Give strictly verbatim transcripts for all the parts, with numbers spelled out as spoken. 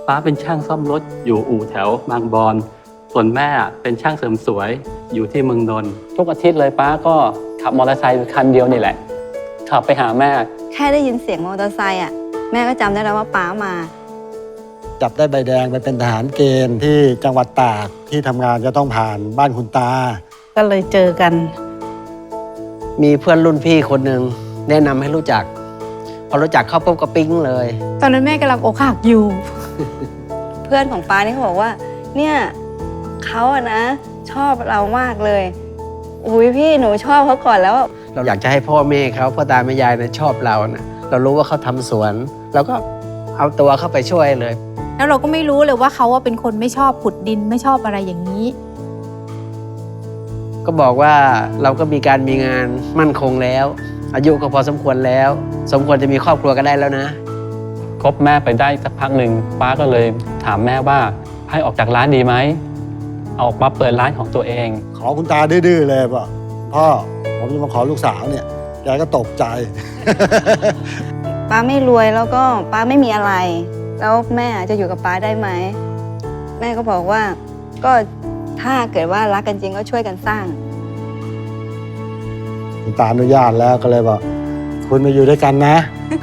ป้าเป็นช่างซ่อมรถอยู่อู่แถวบางบอนส่วนแม่เป็นช่างเสริมสวยอยู่ที่เมืองนนท์ทุกอาทิตย์เลยป้าก็ขับมอเตอร์ไซค์คันเดียวนี่แหละขับไปหาแม่แค่ได้ยินเสียงมอเตอร์ไซค์อ่ะแม่ก็จำได้แล้วว่าป้ามาจับได้ใบแดงไปเป็นทหารเกณฑ์ที่จังหวัดตากที่ทำงานจะต้องผ่านบ้านคุณตาก็เลยเจอกันมีเพื่อนรุ่นพี่คนหนึ่งแนะนำให้รู้จักพอรู้จักเข้าปุ๊บก็ปิ๊งเลยตอนนั้นแม่กำลังอกหักอยู่เพื่อนของป้านี่เขาบอกว่าเนี่ยเขาอะนะชอบเรามากเลยอุ้ยพี่หนูชอบเขาก่อนแล้วเราอยากจะให้พ่อแม่เขาพ่อตาแม่ยายนะชอบเรานะเรารู้ว่าเขาทำสวนเราก็เอาตัวเข้าไปช่วยเลยแล้วเราก็ไม่รู้เลยว่าเขาว่าเป็นคนไม่ชอบขุดดินไม่ชอบอะไรอย่างนี้ก็บอกว่าเราก็มีการมีงานมั่นคงแล้วอายุก็พอสมควรแล้วสมควรจะมีครอบครัวก็ได้แล้วนะคบแม่ไปได้สักพักหนึ่งป้าก็เลยถามแม่ว่าให้ออกจากร้านดีไหมออกมาเปิดร้านของตัวเองขอคุณตาดื้อๆเลยว่าพ่อผมจะมาขอลูกสาวเนี่ยแกก็ตกใจป้าไม่รวยแล้วก็ป้าไม่มีอะไรแล้วแม่จะอยู่กับป้าได้ไหมแม่ก็บอกว่าก็ถ้าเกิดว่ารักกันจริงก็ช่วยกันสร้างคุณตาอนุญาตแล้วก็เลยบอกคุณมาอยู่ด้วยกันนะ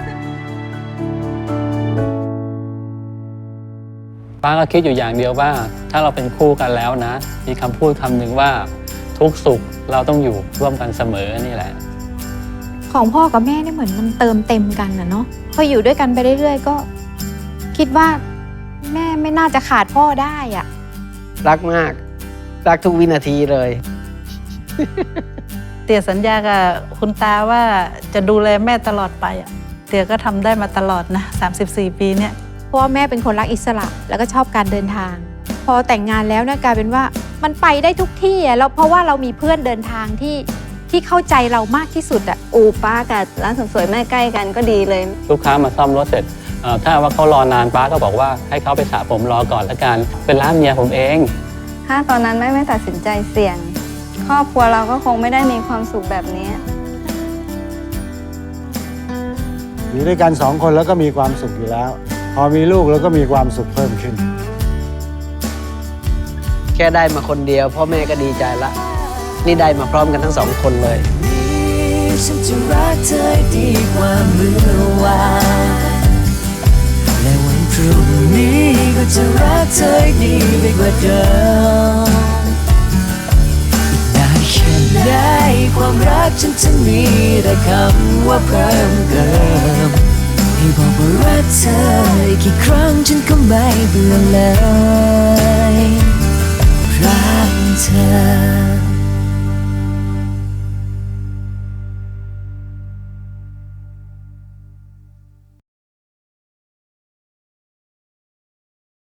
ป้าก็คิดอยู่อย่างเดียวว่าถ้าเราเป็นคู่กันแล้วนะมีคำพูดคำหนึ่งว่าทุกสุขเราต้องอยู่ร่วมกันเสมอนี่แหละของพ่อกับแม่นี่เหมือนมันเติมเต็มกันนะเนาะพออยู่ด้วยกันไปเรื่อยๆก็คิดว่าแม่ไม่น่าจะขาดพ่อได้อะรักมากรักทุกวินาทีเลยเตี่ยสัญญากับคุณตาว่าจะดูแลแม่ตลอดไปอ่ะเตี่ยก็ทำได้มาตลอดนะสามสิบสี่ปีเนี่ยเพราะว่าแม่เป็นคนรักอิสระแล้วก็ชอบการเดินทางพอแต่งงานแล้วเนี่ยกลายเป็นว่ามันไปได้ทุกที่อ่ะแล้วเพราะว่าเรามีเพื่อนเดินทางที่ที่เข้าใจเรามากที่สุดอ่ะอู่ป้ากับร้านเสริมสวยแม่ใกล้กันก็ดีเลยลูกค้ามาซ่อมรถเสร็จถ้าว่าเขารอนานป้าก็บอกว่าให้เขาไปสระผมรอก่อนละกันเป็นร้านเมียผมเองถ้าตอนนั้นแม่ไม่ตัดสินใจเสี่ยงครอบครัวเราก็คงไม่ได้มีความสุขแบบนี้อยู่ด้วยกันสองคนแล้วก็มีความสุขอยู่แล้วพอมีลูกแล้วก็มีความสุขเพิ่มขึ้นแค่ได้มาคนเดียวพ่อแม่ก็ดีใจละนี่ได้มาพร้อมกันทั้งสองคนเลยฉันจะรักเธอดีกว่าเมื่อวานและวันพรุ่งนี้ก็จะรักเธอดีไปกว่าเดิมอีกนานแค่ไหนความรักฉันจะมีแต่คำว่าเพิ่มเติมให้บอกว่ารักเธอกี่ครั้งฉันก็ไม่เบื่อเลย